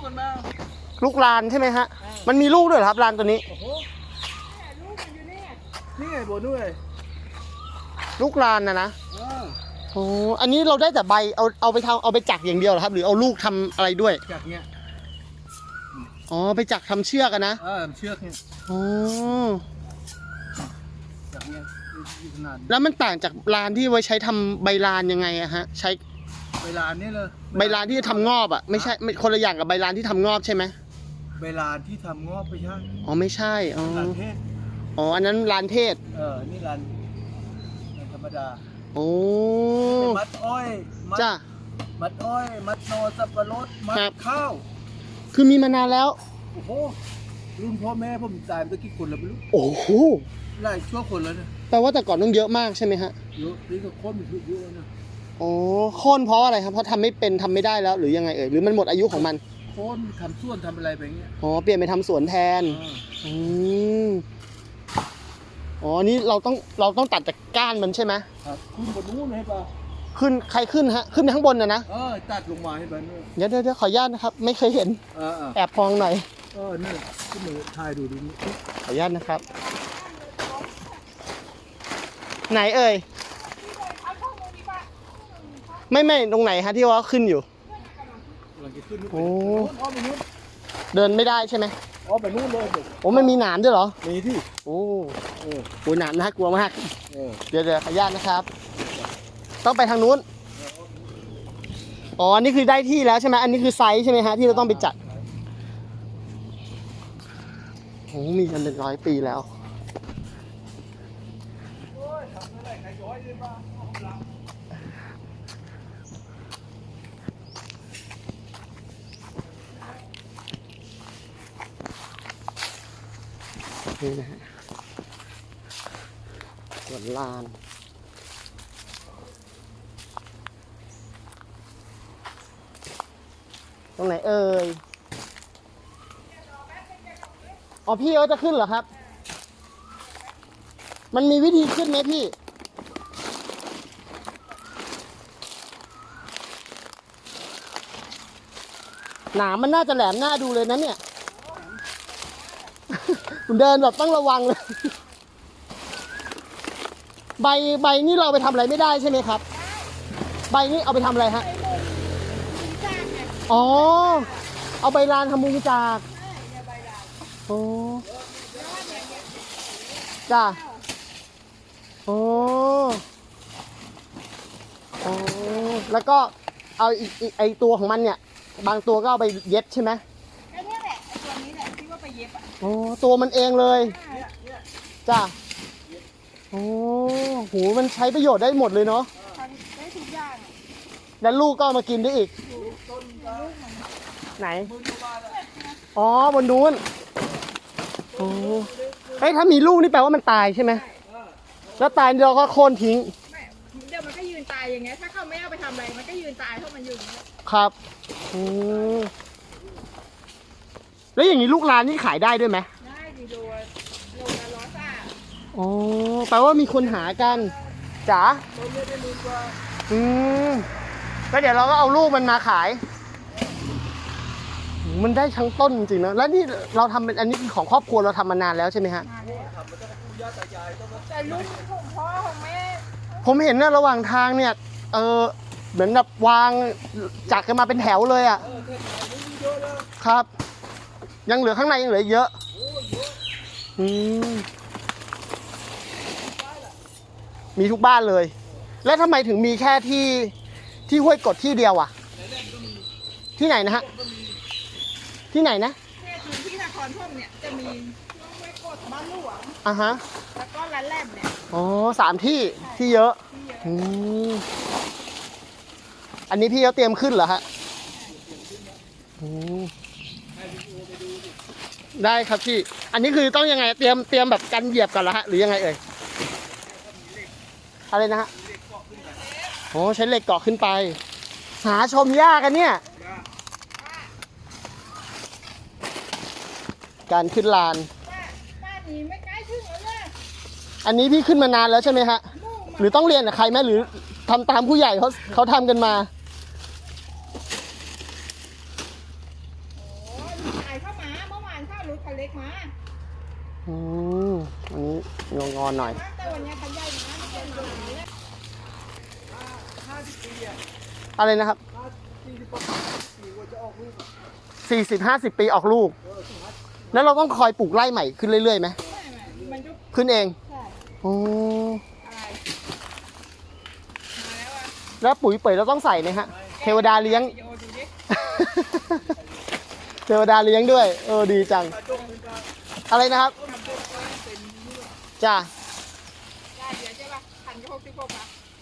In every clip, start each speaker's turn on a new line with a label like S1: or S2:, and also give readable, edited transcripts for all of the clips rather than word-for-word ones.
S1: กันมา
S2: ลูกลานใช่ไหมฮะมันมีลูกด้วยเหรอครับลานตัวนี้
S1: โอ้โหลูกมันอยู่นี่นี่ไงโบด้วย
S2: ลูกลานนะโอ้อันนี้เราได้แต่ใบเอาไปทำเอาไปจักอย่างเดียวเหรอครับหรือเอาลูกทำอะไรด้วย
S1: จักเนี้ย
S2: อ๋อไปจักทำเชือกกันนะ
S1: เชือกเนี่ย
S2: อ๋อ
S1: จักเนี้ยขนาด
S2: แล้วมันต่างจากลานที่ไว้ใช้ทำใบลานยังไงอะฮะใช้
S1: ใบลานนี่เลย
S2: ใบลานที่ทำงอบอะไม่ใช่คนละอย่างกับใบลานที่ทำงอบใช่ไหม
S1: ใบลานที่ทำงอบไม่ใช่
S2: อ๋อไม่ใช่อ๋อ
S1: ลานเทศ
S2: อ๋ออันนั้นลานเทศ
S1: นี่ลานธรรมดา
S2: โอ้
S1: มัดอ้อย
S2: จ้า
S1: มัดอ้อยมัดนอสับปะรดมัดข้าว
S2: คือมีมานานแล้ว
S1: โอ้โหรุ่นพ่อแม่ผมตายไปกี่คนแล้วไม่รู้
S2: โอ้โห
S1: หลายชั่วคนแล้วเนี่ย
S2: แปลว่าแต่ก่อนต้องเยอะมากใช่ไหมฮะ
S1: เยอะนี่ก็โค่นมันเยอะนะ
S2: โอ้โค่นเพราะอะไรครับเพราะทำไม่เป็นทำไม่ได้แล้วหรือยังไงหรือมันหมดอายุของมัน
S1: โค่นทำสวนทำอะไรไปเงี้ย
S2: อ๋อเปลี่ยนไปทำสวนแทนอ๋อนี่เราต้องตัดจากก้านมันใช่ไหม
S1: ครับขึ้นบนนู้นให้ป่ะ
S2: ขึ้นใครขึ้นฮะขึ้นไปข้างบนนะ
S1: ตัดลงมาให้ป่ะ
S2: เดี๋ยวขออนุญาตนะครับไม่เคยเห็นแอบพองหน่อย
S1: นี่ขึ้นมาถ่ายดูดิ
S2: ขออนุญาตนะครับไหนเอ่ยไม่ตรงไหนฮะที่ว่าขึ้นอยู่โอ้เดินไม่ได้ใช่ไหม
S1: ไปนู่นเลย
S2: โอ้มันมีหนามด้วยเหรอ
S1: มีที่
S2: โอ้หนามน่ากลัวมากเดี๋ยวขออนุญาตนะครับต้องไปทางนู้นอ๋อนี่คือได้ที่แล้วใช่ไหมอันนี้คือไซส์ใช่ไหมฮะที่เราต้องไปจัดโอ้มีกันเป็น100 ปีแล้วนี่นะฮะสวนลานตรงไหนเอ่ยอ๋อพี่เขาจะขึ้นเหรอครับมันมีวิธีขึ้นไหมพี่หนามมันน่าจะแหลมหน้าดูเลยนะเนี่ยคุณเดินแบบต้องระวังเลยใบนี่เราไปทำอะไรไม่ได้ใช่ไหมครับใบนี่เอาไปทำอะไรฮะอ๋อเอาใบลานทำมุงจากโอ้จ้าโอ้แล้วก็เอาอีกไอตัวของมันเนี่ยบางตัวก็เอาไปเย็บใช่ไหม
S3: ไอ้นี่แหละไอ้ตัวนี้แหละที่ว่าไปเย็บอ่ะ
S2: โอ้ตัวมันเองเลยจ้าโอ้โหมันใช้ประโยชน์ได้หมดเลยเนาะ
S3: ได้ทุกอย่าง
S2: แล้วลูกก็มากินได้อีกไหนอ๋อบนนู้นโอ้เฮ้ยถ้ามีลูกนี่แปลว่ามันตายใช่ไหมแล้วตายเราก็โค่นทิ้ง
S3: เดี๋ยวมันก็ยืนตายอย่างเงี้ยถ้าเขาไม่เอาไปทำอะไรมันก็ยืนตายเพราะมันยืน
S2: ครับแล้วอย่างนี้ลูกลานนี่ขายได้ด้วยไหม
S3: ได้ดีโลละ100 บาท
S2: อ๋อแปลว่ามีคนหากันจ๋าก็เดี๋ยวเราก็เอาลูกมันมาขายมันได้ทั้งต้นจริงๆนะแล้วนี่เราทำเป็นอันนี้ของครอบครัวเราทำมานานแล้วใช่ไหมฮะ
S3: แต่รุ่นของพ่อของแม่
S2: ผมเห็นนะระหว่างทางเนี่ยเหมือนแบบวางจักกันมาเป็นแถวเลยอ่ะครับยังเหลือข้างในยังเหลือเยอะมีทุกบ้านเลยแล้วทำไมถึงมีแค่ที่ห้วยกดที่เดียวอ่ะที่ไหนนะฮะที่ไหนนะ
S3: เนี่ยคือที่นครพนมเนี่ยจะมีห้วยกดบ้านหลวง
S2: ฮะ
S3: แล้วก็ร้านแรมเนี่ย
S2: อ๋อ3 ที่เยอะอันนี้พี่เขาเตรียมขึ้นเหรอฮะได้ครับพี่อันนี้คือต้องยังไงเตรียมแบบกันเหยียบก่อนเหรอฮะหรือยังไงเอ่ยอะไรนะฮะโอ้ใช้เหล็กเกาะขึ้นไปหาชมยากกันเนี่ยการขึ้นลาน
S3: บ้านนี้ไม่ใกล้ถึงแล้วเนี่ย
S2: อันนี้พี่ขึ้นมานานแล้วใช่ไหมฮะหรือต้องเรียนกับใครไหมหรือทำตามผู้ใหญ่เขาทำกันมา
S3: ขายเข้ามาเมื่อวานข้าวรถคันเล็กมา
S2: อันนี้งอนๆหน่อย
S3: แต่วันนี้คันใหญ่มาไม่เป็นมาเลย
S1: 50 ปีอ่ะ
S2: อะไรนะครับ
S1: 40 ปีกว่าจะออกลูก
S2: 40-50 ปีออกลูก แล้วเราต้องคอยปลูกไร่ใหม่ขึ้นเรื่อยๆไหม
S3: ไม่มันก็
S2: ขึ้นเอง
S3: ใช่
S2: โอ้
S3: อะไรมาแล้วอ่ะ
S2: แล้วปุ๋ยเป๋ยเราต้องใส่ไหมฮะ เทวดาเลี้ยง
S3: วิดีโอดูดิ
S2: เทวดาเลี้ยงด้วย ดีจัง อะไรนะครับ จ้า
S3: ได้เดี๋ยวใช่ป่ะพันก็66ป่ะ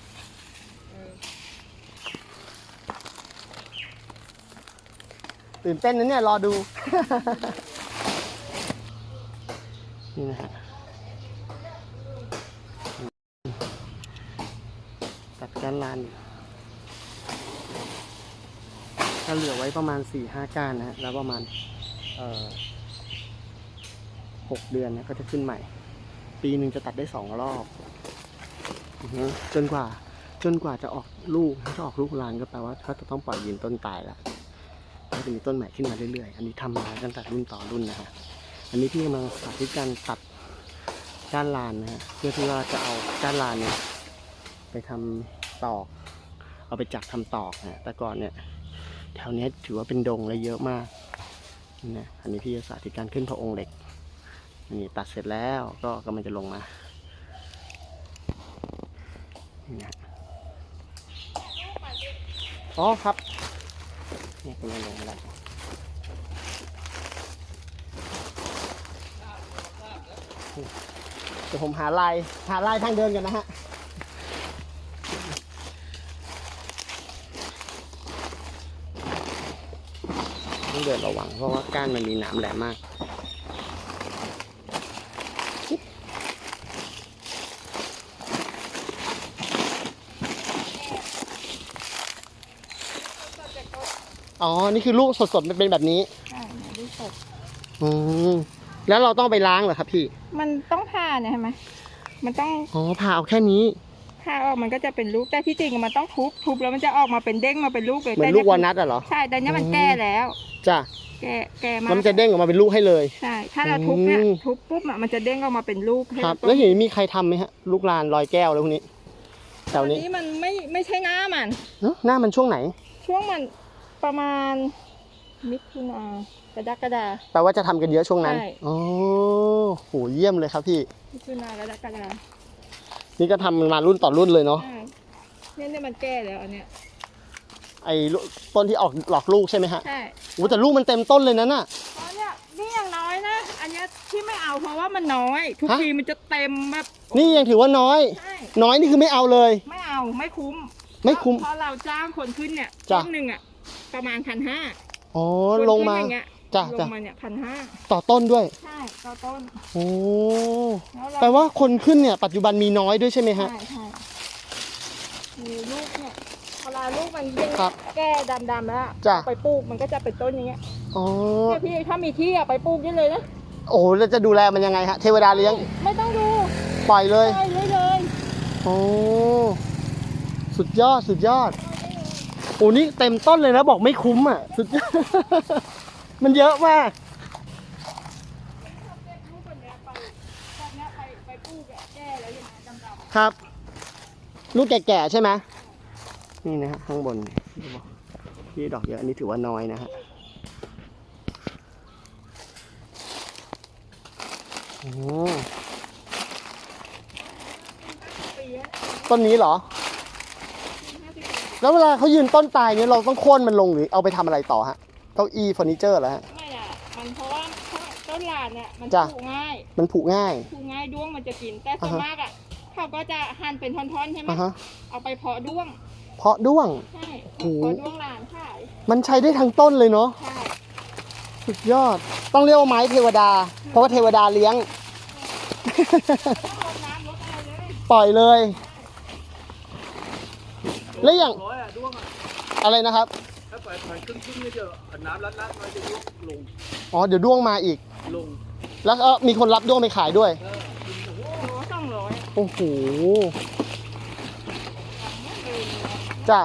S2: ตื่นเต้นนะเนี่ย รอดู นี่นะฮะตัดการลานถ้าเหลือไว้ประมาณ 4-5 ก้านนะฮะแล้วประมาณ6 เดือนนะก็จะขึ้นใหม่ ปีหนึ่งจะตัดได้2 รอบจนกว่าจะออกลูกถ้าจะออกลูกลานก็แปลว่าเขาจะต้องปล่อยยืนต้นตายแล้วก็จะมีต้นใหม่ขึ้นมาเรื่อยๆอันนี้ทำมาตั้งแต่รุ่นต่อรุ่นนะฮะอันนี้พี่กำลังสาธิตการตัดก้านลานนะฮะเพื่อที่ว่าจะเอาก้านลานเนี่ยไปทำตอกเอาไปจักทำตอกนะแต่ก่อนเนี่ยแถวนี้ถือว่าเป็นดงและเยอะมากนะอันนี้พี่จะสาธิตการขึ้นพระองค์เหล็กนี่ตัดเสร็จแล้วก็กำลังจะลงมานี่นะอ๋อครับนี่กำลังลงมาแล้วเดี๋ยวผมหาลายทางเดินกันนะฮะต้องเดินระวังเพราะว่าก้านมันมีหนามแหลมมากอ๋อ นี่คือลูกสดๆมันเป็นแบบนี้
S3: ใช่ลูกสด
S2: แล้วเราต้องไปล้างเหรอครับพี่
S3: มันต้องผ่าเนี่ยใช่ไหมมันต้อง
S2: อ๋อผ่าเอาแค่นี้
S3: ผ่าออกมันก็จะเป็นลูกแต่ที่จริงมันต้องทุบแล้วมันจะออกมาเป็นเด้งมาเป็นลูกเลย
S2: เหมือนลูกวอลนัทอะเหรอ
S3: ใช่แต่เนี้ยมันแก่แล้ว
S2: จ้ะ
S3: แก่มา
S2: แล้วมันจะเด้งออกมาเป็นลูกให้เลย
S3: ใช่ถ้าเราทุบเนี่ยทุบปุ๊บมันจะเด้งออกมาเป็นลูกให้
S2: ครับ
S3: เรา
S2: แล้วเห็นมีใครทำไหมฮะ ลูกลานลอยแก้วแล้วพวกนี้แถ
S3: ตอ
S2: วน นี้
S3: นี้มันไม่ใช่หน้ามัน
S2: หน้ามันช่วงไหน
S3: ช่วงมันประมาณมิถุนากรกฎา
S2: แปลว่าจะทำกันเยอะช่วงนั้น
S3: ใช่
S2: อ๋อโหเยี่ยมเลยครับพี่
S3: มิถุนากรกฎา
S2: นี่ก็ทำมารุ่นต่อรุ่นเลยเนาะ
S3: ใช่เนี่ยมันแก่แล้วอันเนี้ย
S2: ไอ้ต้นที่ออกหลอกลูกใช่ไหมฮะ
S3: ใช่
S2: โอ้แต่ลูกมันเต็มต้นเลยนะน่ะ
S3: ตอนเนี้ยนี่อย่างน้อยนะอันเนี้ยที่ไม่เอาเพราะว่ามันน้อย ทุก
S2: ฮะ
S3: ทีมันจะเต็มแบบ
S2: นี่ยังถือว่าน้อย
S3: ใช่
S2: น้อยนี่คือไม่เอาเลย
S3: ไม่เอาไม่คุ้ม
S2: ไม่คุ้ม
S3: เพราะเราจ้างคนขึ้นเนี่ย
S2: จ้ะ
S3: ต้นหนึ่งอ่ะประมาณ1,500
S2: อ๋อลงมา
S3: อย่างเงี้ย
S2: จ้ะ
S3: ล
S2: จ้ะ
S3: งมาเนี่ย1,500
S2: ต่อต้นด้วย
S3: ใช่ต่อต้น
S2: โอ้
S3: แล้วเรา
S2: แปลว่าคนขึ้นเนี่ยปัจจุบันมีน้อยด้วยใช่ไหมฮะ
S3: ใช่ใช่มีลูกเนี่ยเวลาลูกมันยิ่ง
S2: ครับ
S3: แก่ดำๆแล้ว
S2: จ้ะ
S3: ไปปลูกมันก็จะเป็นต้นอย่างเงี้ย
S2: อ๋อ
S3: เนี่ยพี่ถ้ามีที่อะไปปลูกได้เลยนะ
S2: โอ้แล้วจะดูแลมันยังไงฮะ เทวดาเลี้ยง
S3: ไม่ต้องดู
S2: ปล่อยเลย
S3: ปล่อยเลย
S2: โอ้สุดยอดสุดยอด โอ้นี่เต็มต้นเลยนะบอกไม่คุ้มอ่ะ สุดยอด มันเยอะมาก
S3: เก็บลูกแบบเนี้ยไปแบบเนี้ยไปปลูกอะแก่แล้วยังไงดำๆ
S2: ครับ ลูกแก่ๆใช่ไหมนี่นะฮะข้างบนนี่ดอกเยอะอันนี้ถือว่าน้อยนะฮะโอ้ต้นนี้เหรอ แล้วเวลาเขายืนต้นตายเนี่ยเราต้องโค่นมันลงหรือเอาไปทำอะไรต่อฮะเก้าอี้เฟอร์นิเจอร์เหรอฮะ
S3: ไม่อะมันเพราะว่าต้นลานเนี่ยมัน
S2: จ้ะ
S3: ปลูกง่าย
S2: มันผุง่าย
S3: ปลูกง่ายด้วงมันจะกิน แต่ส่วน
S2: อ่าฮะ
S3: มากอะเขาก็จะหั่นเป็นท่อนๆใช่ไหม
S2: อ่ะฮะ
S3: เอาไปเพาะด้วง
S2: เพราะด้วง
S3: ใช่
S2: โอ้โห
S3: เพาะด้วงลานขาย
S2: มันใช้ได้ทั้งต้นเลยเนาะ
S3: ใช่
S2: สุดยอด ต้องเรียกว่าไม้เทวดา เพราะว่าเทวดาเลี้ยง
S3: ต้องรดน้ำรดอะไรเลย
S2: ปล่อยเลย แล้วอย่าง
S1: ร้อยอ่ะด้วงอ่ะ
S2: อะไรนะครับ
S1: ถ้าปล่อยครึ่งๆนี่เดี๋ยวน้ำรัดๆมันจะยุบลง
S2: อ๋อเดี๋ยวด้วงมาอีก
S1: ลง
S2: แล้วก็มีคนรับด้วงไปขายด้วย
S3: โล200
S2: โอ้โห
S3: เนี่ยเลย
S2: จ้ะ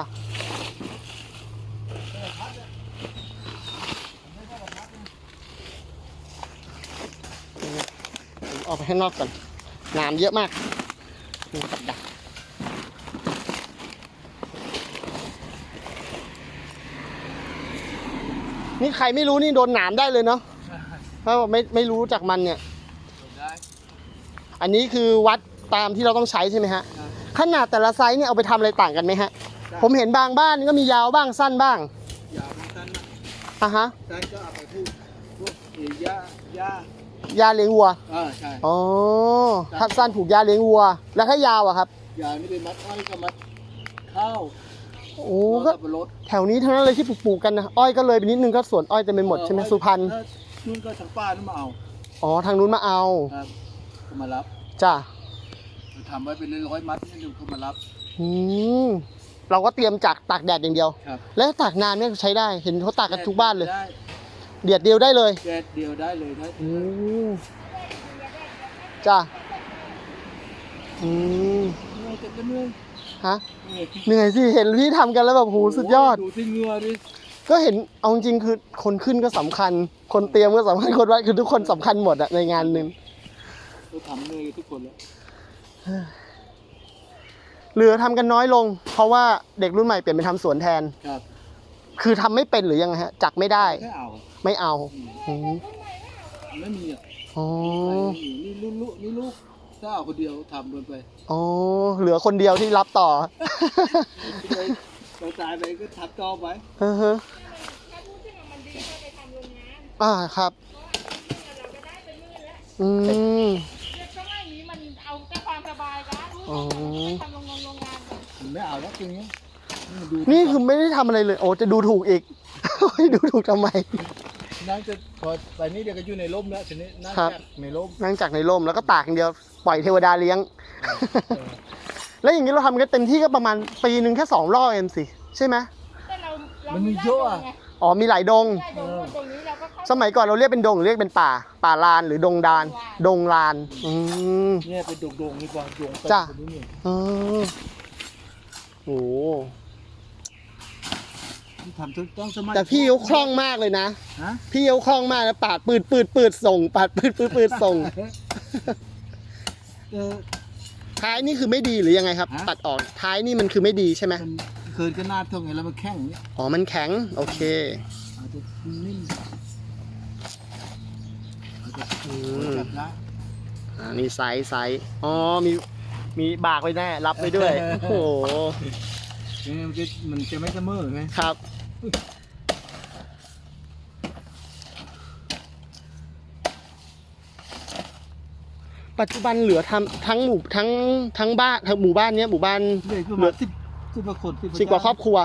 S2: ออกไปข้างนอกก่อนน้ำเยอะมากนี่กับดักนี่ใครไม่รู้นี่โดนหนามได้เลยเนาะเพราะไม่รู้จากมันเนี่ยอันนี้คือวัดตามที่เราต้องใช้ใช่ไหมฮะขนาดแต่ละไซส์เนี่ยเอาไปทำอะไรต่างกันไหมฮะผมเห็นบางบ้านก็มียาวบ้างสั้นบ้าง
S1: ยาวสั้นนะ
S2: อ่ะฮะ
S1: สั้นก็เอาไปพวกหญ้า
S2: เลี้ยงวัว
S1: ใช่
S2: อ๋อถ้าสั้นผูกหญ้าเลี้ยงวัวแล้วถ้ายาวอะครับ
S1: ยาวนี่เป็นมัดอ้อยกับมัดข้าว
S2: โอ้ก็แถวนี้ทั้งนั้นเลยที่ปลูกกันนะอ้อยก็เลยไปนิดนึงก็สวนอ้อยจะเป็นหมดใช่ไหมสุพรรณ
S1: นู่นก็ทางป้านู่นมาเอา
S2: อ๋อทางนู้นมาเอา
S1: ครับมารับ
S2: จ้ะ
S1: ทำไว้เป็นร้อยมัดนี่ดูเขามารับ
S2: เราก็เตรียมจากตากแดดอย่างเดียว
S1: ครับ
S2: แล้วตากนานเนี่ยใช้ได้เห็นเขาตากกันทุกบ้านเลยเดียดเดียวได้เลย
S1: แดดเดียวได้เลยได้
S2: จ้ะฮะเหนื่อยสิเห็นพี่ทำกันแล้วแบบโหสุดยอด
S1: ดูที่เงือดิ
S2: ก็เห็นเอาจริงคือคนขึ้นก็สำคัญคนเตรียมก็สำคัญคนวัดคือทุกคนสำคัญหมดอะในงานนึง
S1: เราทำเลยทุกคนแล้ว
S2: เหลือทำกันน้อยลงเพราะว่าเด็กรุ่นใหม่เปลี่ยนไปทำสวนแทน
S1: ครับ
S2: คือทำไม่เป็นหรือยังไงฮะจักไม่ได้ไม่เอา
S1: ไม่มีอ่ะ
S2: อ๋อ
S1: นี่ลูกถ้าเอาคนเดียวทำไป
S2: อ๋อเหลือคนเดียวที่รับต่อ
S1: เราตายไปก็ทับต่อไป
S2: ครับ
S1: ไม่เอาแล้วจริง
S2: นี่คือไม่ได้ทำอะไรเลยโอ้จะดูถูกอีกดูถูกทำไม
S1: นั่งจะพอไปนี่เดี๋ยวก็อยู่ในร่มแล้วทีนี้นั่งจากในร่ม
S2: นั่งจากในร่มแล้วก็ตากอย่างเดียวปล่อยเทวดาเลี้ยงแล้วอย่างนี้เราทำกันเต็มที่ก็ประมาณปีนึงแค่2 รอบเองสิใช่ไหม
S1: มันมีเยอะ
S2: อ๋อมีหลายดงสมัยก่อนเราเรียกเป็นดงหรือเรียกเป็นป่าลานหรือดงลาน
S1: เนี่ยเป็นดงนี่กว่าดง
S2: จ้ะโอ้
S1: ทำต้องสมัย
S2: แต่พี่เขาคล่องมากเลยนะพี่เขาคล่องมากนะปาดปืดส่งปาดปืดส่งท้ายนี่คือไม่ดีหรือยังไงครับตัดออกท้ายนี่มันคือไม่ดีใช่ไหม
S1: เคินก็หน้าท่งไงแล้วมันแข็ง
S2: อ๋อมันแข็งโอเค
S1: อาจจะนิ่ม
S2: นี่ไซส์อ๋อมีบากไว้แน่รับไปด้วยโอ้โห
S1: มันจะไม่เสมอไหม
S2: ครับปัจจุบันเหลือทำทั้งบ้านทั้งหมู่บ้านเนี้ยหมู่บ้าน
S1: เหลือ10 กว่าคน
S2: 10 กว่าครอบครัว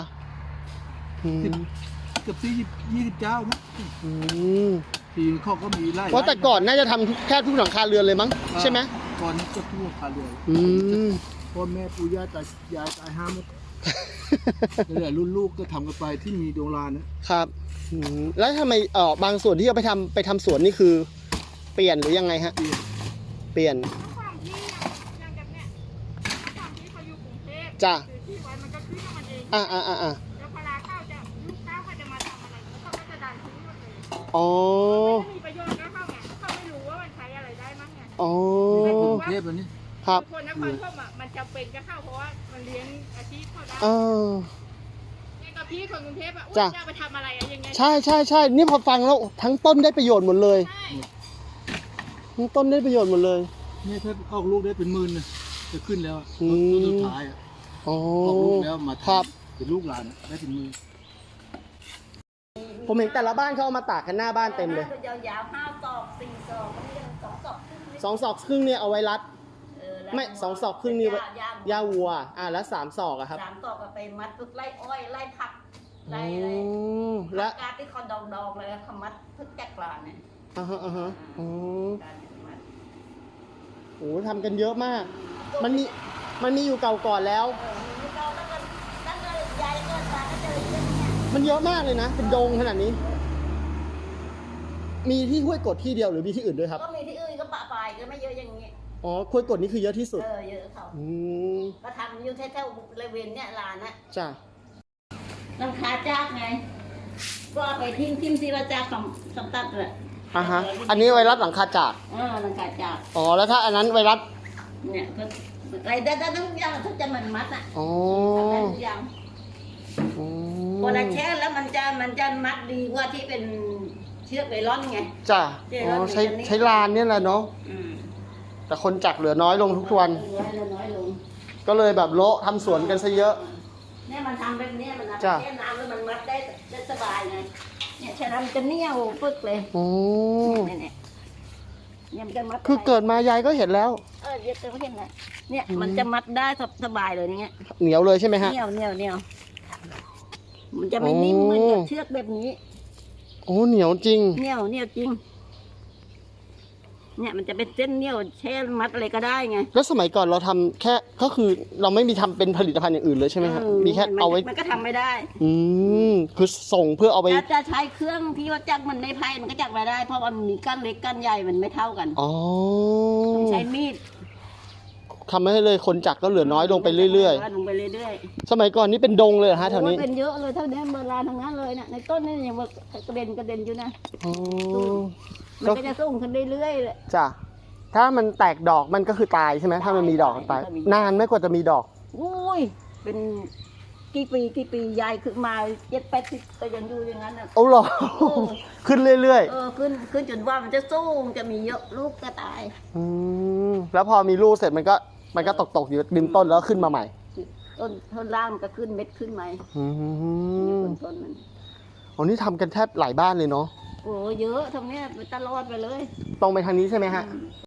S1: เกือบ20 เจ้านะทีเขาก็มีไร่
S2: เพราะแต่ก่อนน่าจะทำแค่ทุกหลังคาเรือนเลยมั้งใช่ไหม
S1: ก่อนนี้ก็ทุกหลังคาเรือนพ่อแม่ปู่ย่าตายายตาย5 หมดนี่แหละรุ่นลูกก็ทำกันไปที่มีโรงงาน
S2: นะครับแล้วทำไมบางส่วนที่เอาไปทำสวนนี่คือเปลี่ยนหรือยังไงฮะเปลี่ยนจ้ะอ๋อ
S3: มีประโยชน์ก็เข้าไงเขาไม่รู้ว่ามันใช้อะไรได้มั้งไง
S2: อ๋อ
S1: เทพแบบนี้
S2: ครับ
S3: คนนครธมมันจำเป็นก็เข้าเพราะว่ามันเลี้ยงอาชีพเขาได้นี่กับพี่คนกรุงเทพอ่ะจะไปทำอะไรอย่างเงี้ย
S2: ใช่นี่พอฟังแล้วทั้งต้นได้ประโยชน์หมดเลยทั้งต้นได้ประโยชน์หมดเลย
S1: เนี่ยถ้าออกลูกได้เป็น10,000นะจะขึ้นแล้วสุดท้ายออกลูกแล้วมาทำเป็นลูกหลานได้เป็น10,000
S2: ผมเห็นแต่ละบ้านเขาเอามาตากกันหน้าบ้านเต็มเลย
S3: ยาว5 ศอก 4 ศอก
S2: 2 ศอกครึ่งเนี่ยเอาไว้รัดไม่2 ศอกครึ่งนี่หญ้าวัวแล้ว3 ศอกอะครับ
S3: 3 ศอกก็ไปมัดพึกไล่อ้อยไล่ผักไล่
S2: และ
S3: การที่เขาดองเลยเขามัดพึกจักรลานเนี่ย
S2: โอ้ทำกันเยอะมากมันมีอยู่เก่าก่อนแล้วมันเยอะมากเลยนะเป็นดงขนาดนี้มีที่ห้วยกดที่เดียวหรือมีที่อื่นด้วยครับ
S3: ก็มีที่อื่นก็ปะปายก็ไม่เยอะอย่างนี้
S2: อ๋อห้วยกดนี่คือเยอะที่สุด
S3: เยอะเขาก็ทำอยู่แถวๆบริเวณเนี่ยลานนะ
S2: จ้ะ
S3: ราคาจากไงก็ไปทิ้งที่เราจากสำตัดเลย
S2: อ่าฮะอันนี้ไวรัสหลังคาจาก
S4: หลังคาจาก
S2: อ๋อแล้วถ้าอันนั้นไวรัส
S4: เนี่ยก็อะไรได้ทุกอย่างถ้าจะมันมัดอ่ะ
S2: อ๋อ
S4: ได้ทุกอย่าง
S2: อืม
S4: พอเราแช่แล้วมันจะมัดดีกว่าที่เป็นเชือกไนล่อนไง
S2: จ้ะ
S4: เดี๋ยว
S2: อ๋อ
S4: เรา
S2: ใช้ลานเนี่ยแหละเนาะ
S4: อืม
S2: แต่คนจักเหลือน้อยลงทุกวัน
S4: น้อยลง
S2: ก็เลยแบบโละทำสวนกันซะเยอะ
S4: เนี่ยมันทำแบบนี้มัน
S2: จ้ะ
S4: แช่น้ำแล้วมันมัดได้สบายไงเนี่ยแช่น้ำมันจะเหนียวปึ๊กเลย
S2: อ๋อ
S4: เนี่ยมันจะมัด
S2: คือเกิดมายายก็เห็นแล้ว
S4: เดี๋ยวเห็นไหมเนี่ยมันจะมัดได้สบายเลยเนี่ย
S2: เหนียวเลยใช่ไหมฮะ
S4: เหนียวมันจะไม่นิ่มเหมือนกับเชือกแบบนี้
S2: โอ้เหนียวจริง
S4: เหนียวจริงเนี่ยมันจะเป็นเส้นเหนียวแช่มัดอะไรก็ได้ไง
S2: แล้วสมัยก่อนเราทำแค่ก็คือเราไม่มีทำเป็นผลิตภัณฑ์อย่างอื่นเลยใช่ไหมครับมีแค่เอาไว้
S4: มันก็ทำไม่ได้
S2: คือส่งเพื่อเอาไป
S4: จะใช้เครื่องที่ว่าจักมันในไพ่มันก็จักไม่ได้ เพราะมันมีก้านเล็กก้านใหญ่มันไม่เท่ากัน
S2: อ๋อ
S4: ต้องใช้มีด
S2: ทำให้เลยคนจักก็เหลือน้อยลงไปเรื่อย
S4: ลงไปเรื่อย
S2: ๆ สมัยก่อนนี่เป็นดงเลยเหรอฮะแถวนี้
S4: โอ้ยเป็นเยอะเลยเท่านี้เมื่อลานทั้งนั้นเลยเนี่ยในต้นนี่ยังกระเด็นอยู่นะ
S2: อ๋อ
S4: มันก็จะส่งขึ้นเรื่อยๆเลย
S2: จ้ะถ้ามันแตกดอกมันก็คือตายใช่ไหมถ้ามันมีดอกตาย
S4: ตาย
S2: นานไหม่กว่าจะมีดอก
S4: อุ้ยเป็นกี่ปียายขึ้นมา70-80ก็ยังอยู่อย่างนั้นอ่ะ
S2: เอาเหรอ
S4: เออ
S2: ขึ้นเรื่อย
S4: ขึ้นจนว่ามันจะสู้จะมีเยอะลูกก็ตาย
S2: ๆแล้วพอมีลูกเสร็จมันก็ตกอยู่ริมต้นแล้วขึ้นมาใหม่
S4: ต้นล่างมันก็ขึ้นเม็ดขึ้นไหม
S2: อยู่
S4: ต้นมัน
S2: อ๋อนี่ทำกันแทบหลายบ้านเลยเนาะ
S4: โอ้เยอะทำเนี้ยไปตลอดไปเลย
S2: ตรงไปทางนี้ใช่ไหมฮะ
S4: ต